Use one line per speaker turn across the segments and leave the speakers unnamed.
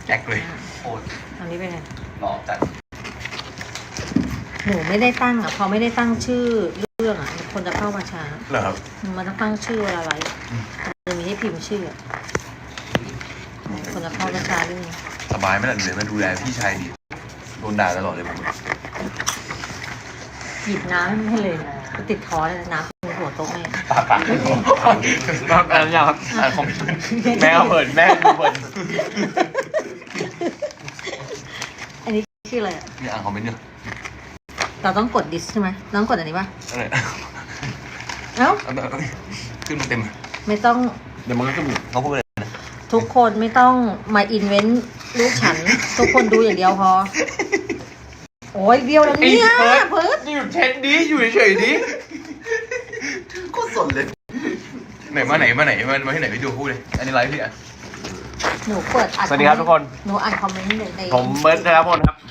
แจ็คเลยโอ้
อันนี้เป็นไง
หล่อจัด
หนูไม่ได้ตั้งอ่ะพอไม่ได้ตั้งชื่อเรื่องอ่ะคนจะเข้ามาช้า
เหรอครับ
มันต้องตั้งชื่อเวลาไลฟ์จะมีให้พิมพ์ชื่อคนจะเข้ามาช้าด้วย
สบายไหมล่ะเลยมาดูแลพี่ชายดีโดนด่าตลอดเลยผม
หยิบน้ำให้เลยติดคอเลยน้ำเป็นหัวโต๊ะแม่
ปากอะไรอย่างครับของแม่เปิดแม่เปิด
อันนี้ชื่ออะไรอ่ะ
นี่อ่านคอมเมนต์อยู่
เราต้องกดดิสใช่ไหมต้องกดอันนี้ป่ะ
อะไร
เอ้า
ขึ้นมาเต็ม
ไม่ต้อง
เดี๋ยวมันก็ขึ้นเขาพูดเลยนะ
ทุกคนไม่ต้องมาอินเวนต์ลูกฉันทุกคนดูอย่างเดียวพอโอ้ยเดียวแล้วเนี่ยเพิร์ด
อยู่เช็ดดีอยู่เฉยดีก็สนเลยไหนมาที่ไหนไปดูพูดเลยอันนี้ไลฟ์พี่อ่ะ
หนูเปิด
สวัสดีครับทุกคน
หนูอ่านคอมเมนต์ใน
ผมเบิร์ดนะครับพลครับ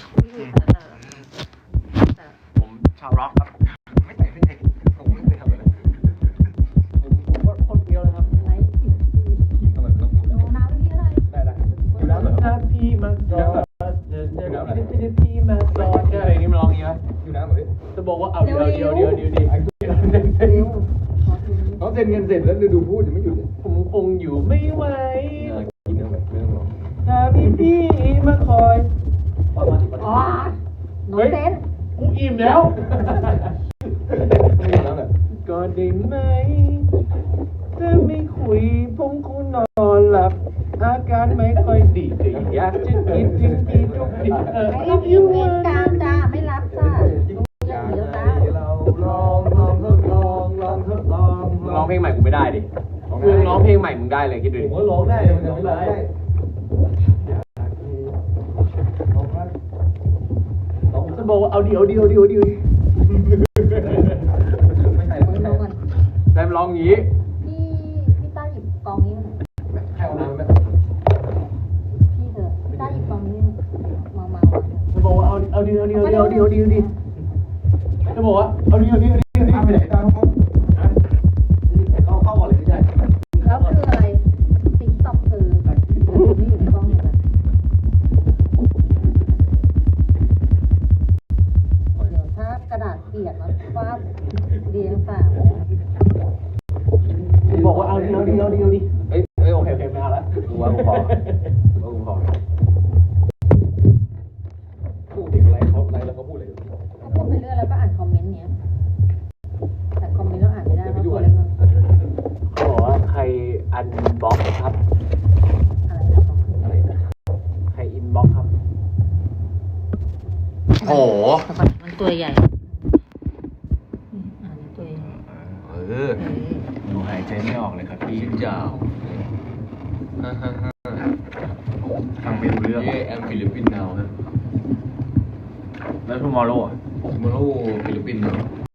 ผมชาวร็อกครับไม่ใส่ผมไม่เคยทำอะไรผมก็คนเดียวเลยครับ
ไลฟ์
ทำไมต้องพูด
น้ำพี่อะไร
ได้อยู่แล้วถ้าพี่มาจอดพี่มาจอดอะไรนี่มันร้องอย่างนี้ไหมอยู่แล้วเหมือนจะบอกว่าเอาเดี๋ยวดิเขาเซ็นเงินเสร็จแล้วดูพูดยังไม่หยุดเลยผมคงอยู่ไม่ไหวกินเนื้อไม่ต้องรอถ้าพี่มาคอย
อ๋อหนูเต้น
กูอิ่มแล้วก็ได้ไหมถ้าไม่คุยผมคงนอนหลับอาการไม่ค่อยดีแต่อยากจะกินจริงๆทุกที
ไอ้ยูเวนกลางจ้าไม่รับจ้า
ร้องเพลงใหม่กูไม่ได้ดิกูร้องเพลงใหม่มึงได้เลยคิดดูดิผมก็ร้องได้มันไม่ได้จะบอกว่าเอาดีไม่ใช่ได้ร้องงี้
พี่ต้าหยิบกองนี้มา
ให้เอาน้ำไหม
พี่เถอะพี่ต้าหยิบกองนี้มา
จะบอกว่าเอาดีจะบอกว่าเอาดีไปไหนตามเข้าก่อนเลยไม่ใช่
แล้วคืออะไรติ๊กต็อกคือนี่อยู่ในกล้องเหมือนกันเดี๋ยวถ้ากระดาษเปียกแล้วฟาดเรียงฝา
บอกว่าเอาดีเอ้ยโอเคไม่เอาละกูว่ากูพอพูดถึงอะไรเขาอะไรแล้วก็พูดเลย
ก็พูดไปเรื่อยแล้วก็อ่านคอมเมนต์เนี้ยแต่คอมเมนต์เราอ่านไม่ได้เพราะตัวเล็ก
เขาบอกว่าใครอันบล็อกครับอะไรนะใครอินบล็อกครับโห
มันตัวใหญ่ตัวใหญ่
หนูหายใจไม่ออกเลยครับพี่ยาวฟังไม่รู้เรื่องแอมฟิลิปปินส์นาวนะแล้วทูมอร์โร่ฟิลิปปินส์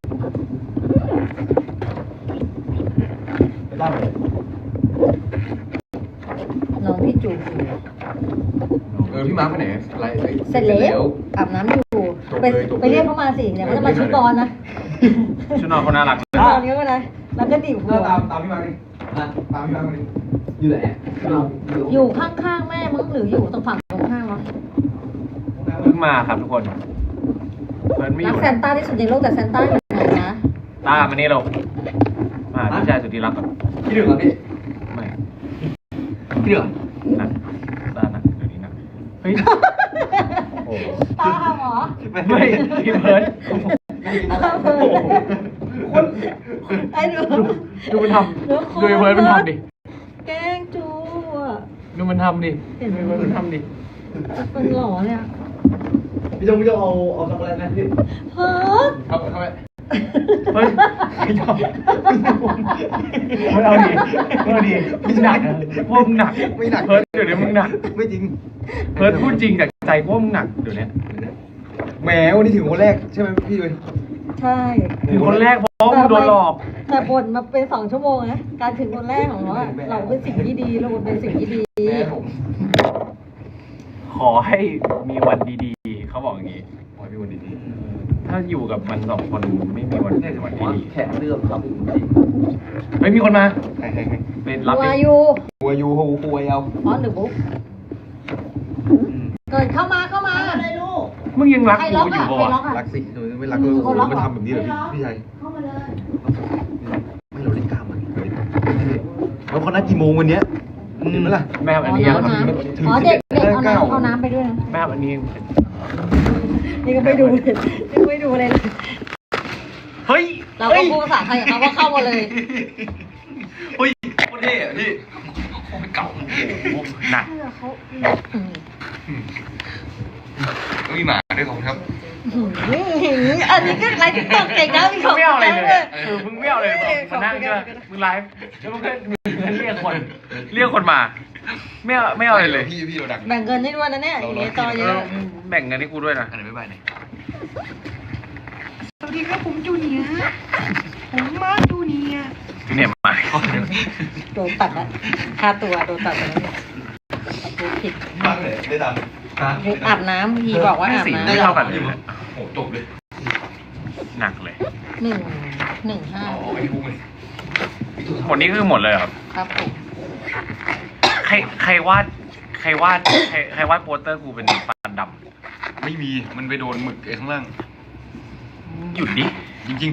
ไม่ได้เลย
น้องพี่จูบ
พี่มาร์คไปไหนอะไร
เสร็จแล้วอาบน้ำอยู่ไปเรียกเขามาสิเดี๋ยวเขาจะมาชุดนอนนะ
ชุดนอนเขาน่ารัก
นอนเนี้ยก็ได้แล้วก็ดิ่งหัว
ตามพี่มาร์คดิตามพี่มาร์คดิอยู่ไหน
อยู่ข้างๆแม่มึงหรืออยู่ตรงฝั่งตรงข้างวะ
เพิ่งมาครับทุกคนเพิ่นไม่อยู่
รักแซนต้าที่สุดในโลกแต่แซนต้าอยู่ไหนนะ
ตามานี่เราพี่ชายสุดที่รักก่อนพี่ดื่มเหรอพี่ไม่พี่ดื่มนักตานักเดี๋ยวนี้นักเฮ้ย
โอ้ตาหรอ
ไม่พี่เพิร์ด
ไอ้
ดูมันทำดูเพิร์ดมันทำดิ
แกงจูอ่ะ
ดูมันทำดิดูมันทำดิ
มันหล่อเนี่ย
พี่จงเอาช็อกโกแลตนะพี่
เพิร์ด
เข้าไปเฮ้ยไม่เอาดิไม่หนักพวกมึงหนักไม่หนักเพิร์ดเดี๋ยวนี้มึงหนักไม่จริงเพิร์ดพูดจริงจากใจพวกมึงหนักเดี๋ยวนี้แหมวันนี้ถึงคนแรกใช่ไหมพี่ด้วย
ใช่
ถึงคนแรกเพราะมึงโดนหลอก
แต่บ่นมาเป็น2 ชั่วโมงนะการถึงคนแรกของเราเป็นสิ่งที่ดีเราเป็นสิ่งที่ดี
ขอให้มีวันดีๆเขาบอกอย่างนี้ขอให้มีวันดีๆถ้าอยู่กับมัน2 คนไม่มีวันดี
แค่เรื่องครับ
ไม่มีคนมาเป็นรับ
หัวยู
หัวเอา
อ๋อหรือบุ๊กเกิดเข้ามาเลยลูก
มึงยังรัก
ใคร
กู
ล็อก
อยู่
อ่ะ
ปะ
ใคร
วะ
ล็อกอ่ะ
รักสิหนูไม่รักเราไม่ทำแบบนี้หรอพี่ชาย
เข้ามาเลย
ไม่เราเล่นกล้ามมันแล้วเขานัดกี่โมงวันเนี้ยเห็นไหมล่ะ
แม่
อ๋
อั
อน
นี้ยัง
น้ำอ๋อเด็กเอาน้ำไปด้วยนะ
แม่อันนี้ยัง
นี่ก็ไม่ดูเลยไม่ดูเลย
เฮ้ย
เราก็พูดภาษาไทยกับเขาว่าเข้ามาเลย
เฮ้ยโคตรเท่อะพี่เก่าหนัก
เขา
มีหมาด้วยของครับ
อันนี้ก็ไลฟ์ติ๊กต็อกเก่งนะมีของ
ไม่เอาอะไรเลย
เลย
มึงไม่เอาอะไรเลยมานั่งใช่ไหมมึงไลฟ์แล้วมึงก็เรียกคนมาไม่เอาอะไรเลย
พี่เราดัง
แบ่งเงินให้ด้วยนะเนี่ยอย่างเงี้ยจอเยอะ
แบ่งเงินให้กูด้วยนะ
อันไหนไม่ใบเนี่ย
สวัสดีครับผมจูเนียร์ผมมาจูเนียร์มา
โดนตัดละค่าตัวโดนตัดไปแล้วเนี่ยพูดผิด
บ้างเลยได้ดัง
อาบน้ำพี่บอกว่าอาบ
สี
น้ำ
ไม่เท่ากันเลย
โอ้จบเลย
หนักเลย
115
โอ้ยพุ่งเลย
หมดนี้คือหมดเลยครับ
ครับผม
ใครวาดโปสเตอร์กูเป็นฟันด
ไม่มีมันไปโดนหมึกไอ้ข้างล่าง
ำหยุดดิ
จริง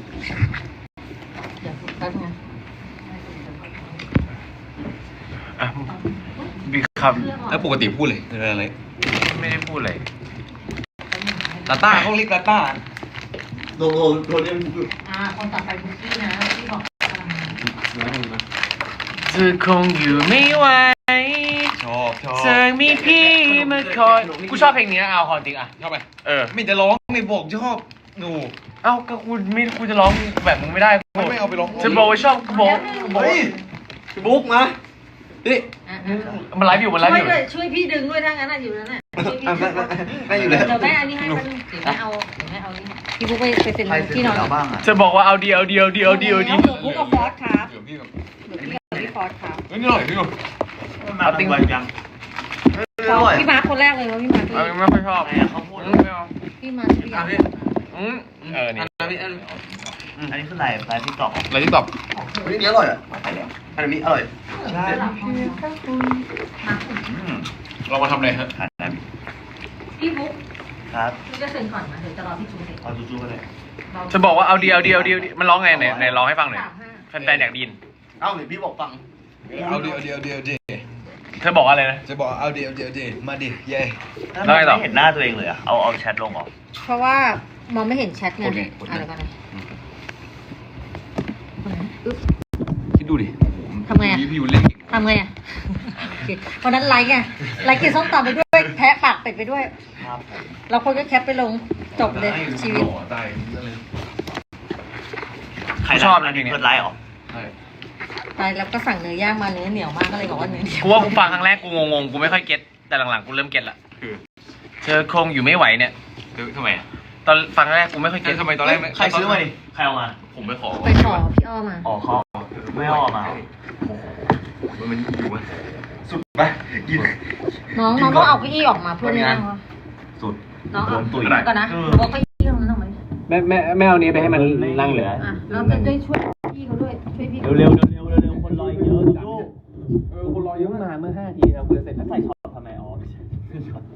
เดี๋ยวแป๊บนึง
อ่ะมีค
ๆแล้วปกติพูดเลยอะไร
ำไม่ได้พูดเลย
ลาต้าเขาเรียกลาต้าโดนเรียก
คนต่อไปบุกกี้นะที่บอก
เธอคงอยู่ไม่ไหว
ชอบ
เธอมีพี่มาคอยกูชอบเพลงนี้เอาคอนจริงอ่ะ
ชอบไป
ไม่
จะร้องไม่บอกชอบหนู
เอ้าก็กูจะร้องแบบมึงไม่ได้
ไม่เอาไปร้อง
ฉันบอกว่าชอบกูบอก
เฮ้ยบุ๊กมาดิ
มันไลฟ์อยู่
ช่วยพี่ดึงด้วยถ้างั้นอยู่นั่นน่ะ
ได้อยู่แล้ว
เดี๋ยวแม่อันนี้ให้มันเดี๋ยวแม่เอานี่พี่บุ๊กไปเป็นที่นอน
จะบอกว่าเอาดี
บุ๊กกับฟอสครับ
เดี๋ยวพี่กับ
พี่ฟอสครับ
เฮ้ยนี่อร่อยพี่กับ
เอาติ้ง
พี่มาร์คคนแรกเลยว่าพี่มาร์ค
ไม่ค่อยชอบไม่เอา
พี่มาร์คพี่มาร์ค
นี่
อันนี้คืออะไรไลฟ์ติ๊กต็อก
อะไรที่ตอบ
อันนี้อร่อยอ่ะอันนี้อร่อย
ใช่
เรามาทำอะไรฮะ
ผ่านนะ
พี่บุ๊ก
ครับ
พี่จะเซ็นก่อนนะเดี๋ยวจะรอพี่จูเซ็น
เอาจูๆกันเลย
จะบอกว่าเอาดีมันร้องไงไหนร้องให้ฟังหน่อยแฟนๆอยากได้ยิน
เอ้าหรือพี่บอกฟัง
เอาดิ
เธอบอกอะไรนะ
จะบอกเอาดิมาดิเย่
แล้วไงต่อ
ไม่เห็นหน้าตัวเองเลยอะเอาแชทลงเหรอ
เพราะว่ามองไม่เห็นแชทไงอะไรกันนะ
คิดดูดิ
ทำไงอ่ะ
พี่ยูเล่นเก่ง
ทำไงอ่ะวันนั้นไลค์ไงไลค์กินส้มตำไปด้วยแทะปากเป็ดไปด้วย
ครับผม
เราคนก็แคปไปลงจบเลยชีวิต
ตายเลย
ใคร
ชอบนะ
อัน
จริ
นี้
งๆ
เปิดไลฟ์เหรอ
ใช่
ไปแล้วก็สั่งเนื้อย่างมาเนื้อเหนียวมากก็เลยบอกว่าเนื้อเหนียว
กูว่ากูฟังครั้งแรกกูงงกูไม่ค่อยเก็ตแต่หลังๆกูเริ่มเก็ตละ
คือ
เธอคงอยู่ไม่ไหวเนี่ย
ทำไมอ่ะ
ตอนฟังครั้งแรกกูไม่ค่อยเก็ต
ทำไมตอนแรก
ใครซื้อมาดิใครเอามา
ผมไปขอ
ไปขอพี่อ้อมา
อ๋อเขาไม่เอามา
มันอยู่อ่ะสุดไปกิน
น้องต้องเอาเก้าอี้ออกมาเพื่อนนั่งวะ
สุด
น้องเอา
ตุ๋ย
ก่อนนะบอกเก้าอี้ตรงนั้นออกมา
แม่เอานี้ไปให้มันนั่งเหลือ
อ่ะเราจะได้ช่วยพี่เขาด้วยช่วยพี่
เร็วคนรอเยอะจู้
คนรอเยอะมาเมื่อ5 ทีเราเสร็จ
แล้วใส่ช็อตทำไมอ๋อใส่ช็อต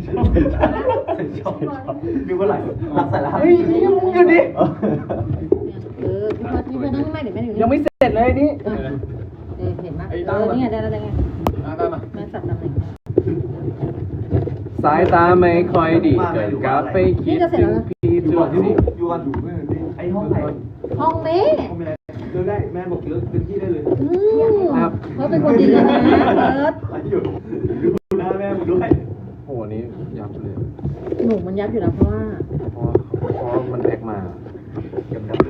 ดูเมื่อไหร่รักใส่แล้ว
เฮ้ยหยุดดิ
พี่มานั่งไม่เดี๋ยวแม่อยู่
ยังไม่เสร็จเลยนี่
เห็นไหมนี่ไงได้แล้วไงแม่จับตำแหน่ง
สายตาไม่ค่อยดีเกิดกลับไปคิดถึงพี่จุดนี้
ไอ้ห้องไหน
ห้องนี้
เลือกได้แม่บอกเลือกพื้นที่ได้เลย
ครับเขาเป็นคนดีนะเอิร์ธ
อยู่ดูหน้าแม่มึงด้วย
โหนี้ยับเลย
หนูมันยับอยู่นะเพราะว่า
เพราะมันแพ็กมา
ยับเลย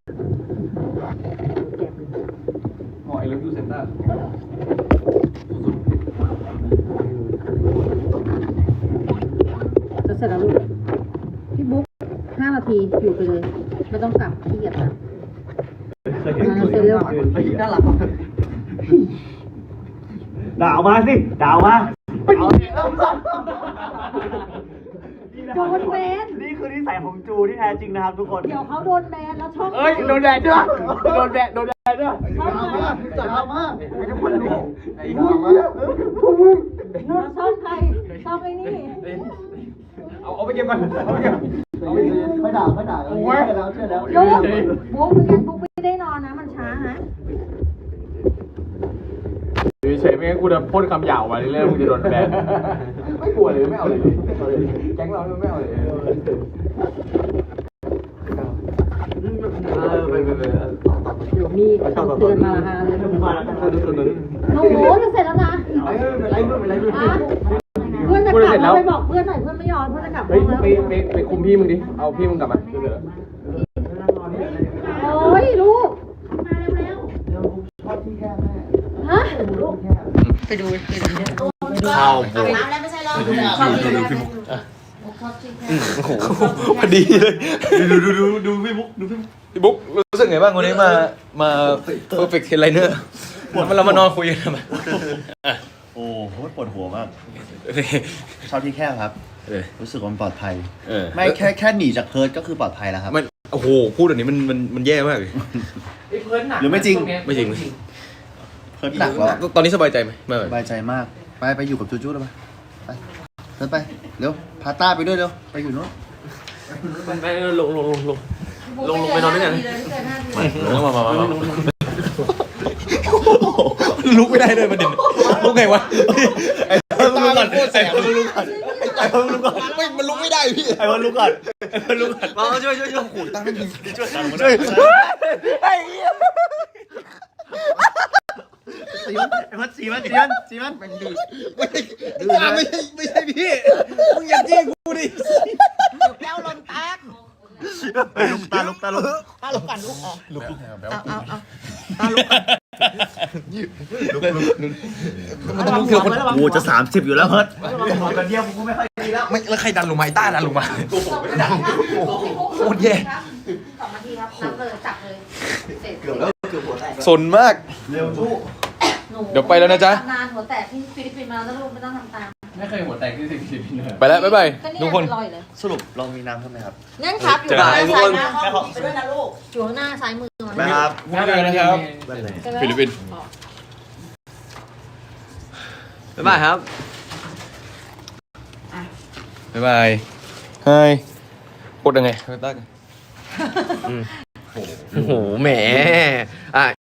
หอยเลิฟยูเซนต้า
จะเสร็จแล้วลูกพี่บุ๊ก5 นาทีอยู่ไปเลยไม่ต้องกลับขี้เกียจกลับ
เคยเห็นสวยน่ารักด่ามาสิด่ามาเอาดิ
โดนแบน
นี่คือนิสัยของจูที่แท้จริงนะครับทุกคน
เดี๋ยวเขาโดนแบนแล้วช่อง
เอ้ยโดนแดดด้วยโดนแดดด้วย
ช่องใคร
จัดมากไม่ต้องคนรู้ไอ้
แล้วช่องใครช่องไอ้นี่
เอาไปเก็บก่อนเอาไปเก็บ
ไม่ด่าไม่ด่าเชื่อแล้วเชื่อแล้ว
ลูกบุ๊กงั้นบุ๊กไม่ได้นอนนะมันช้านะ
อยู่เฉยๆไม่งั้นกูจะพ่นคำหยาบมาเรื่อยๆมึงจะโดนแบนไม่กลัวเลยไม่เอาเลยแก๊งเราไม่เอาเลย
มีคำเตือนมาฮะเลยโอ้โหจะเสร็จแล้วนะเพื่อนจะกลับไปบอกเพื่อนหน่อยเพื่อนไม่ยอมเพื่อนจะกลับ
เฮ้ย
แล้ว
ไปคุมพี่มึงดิเอาพี่มึงกลับมา
โอ้ยลูกฮะไปดู
ข้าวโบ
น้ำแล้วไม่ใช่หรอ
พอดีเลยดูพี่บุ๊กดูพี่บุ๊กรู้สึกไงบ้างวันนี้มา perfect trainer เรามานอนคุยกันทำไม
โอ้โหปวดหัวมาก ชอบที่แคบครับ รู้สึกว่ามันปลอดภัย ไม่แค่หนีจากเพิร์ดก็คือปลอดภัยแล้วครับ
มันโอ้โหพูดแบบนี้มันแย่มากเลย
หรือไม่จริง
ไม่จริง
เพิร์ดหนักแล้ว
ตอนนี้สบายใจไหมไม่
สบายใจมาก ไปอยู่กับจูจูแล้วไปเดินไปเร็วพาต้าไปด้วยเร็วไปอยู่โน้น
ไปลงไปนอนด้วยกันมาลุกไม่ได้เลยประเด็นลุกไงวะไอ้ตาลุกก่อนไอ้ลุกก่อนไอ้ลุกก่อนไม่มันลุกไม่ได้พี่ไอ้วันลุกก่อนลุกก่อนมาช่วยขู่ตั้งไม่ยิงช่วยไอ้เหี้ย
สีมันมันดื้อ
ไม่ใช่พี่มึงอย่าจี้กูดิ
แก้วลมแตก
ลุกตาลุก
ตาลุกกันลุกออกเอา
มันต้องลุกเดียวคน
กูจะ30อยู่แล้วเพิร์ด
ไม่แล้วใครดันลงมาไอ้ต้าดันลงมาโคตรแย่
2 นาทีครับนับเลยจับเลยเสร็จ
สนมาก
เร็วจู้
เดี๋ยวไปแล้วนะจ๊ะ
นานหัวแตกที่ฟิลิปปินส์มาแล้วลูกไม่ต้องทำตาม
ไม่เคยหัวแตกที่สิบเลย
ไปแล้วบ๊ายบาย
ก็นี่
ทุกคน
ลอยเลย
สรุปเรามีน้ำใช่ไหมครับ
นั่นครับอยู่
เจอ
ข้าง
กัน
หน้า
ทุก
ซ้า
ค
ย
น
มือไปด้วยนะลูกอยู่ข้างหน้าซ้ายมือมัน
นะครับ
บ๊ายบายนะครับฟิลิปปินส์บ๊ายบายครับบ๊ายบายไฮกดยังไงต้าโอ้โหแหม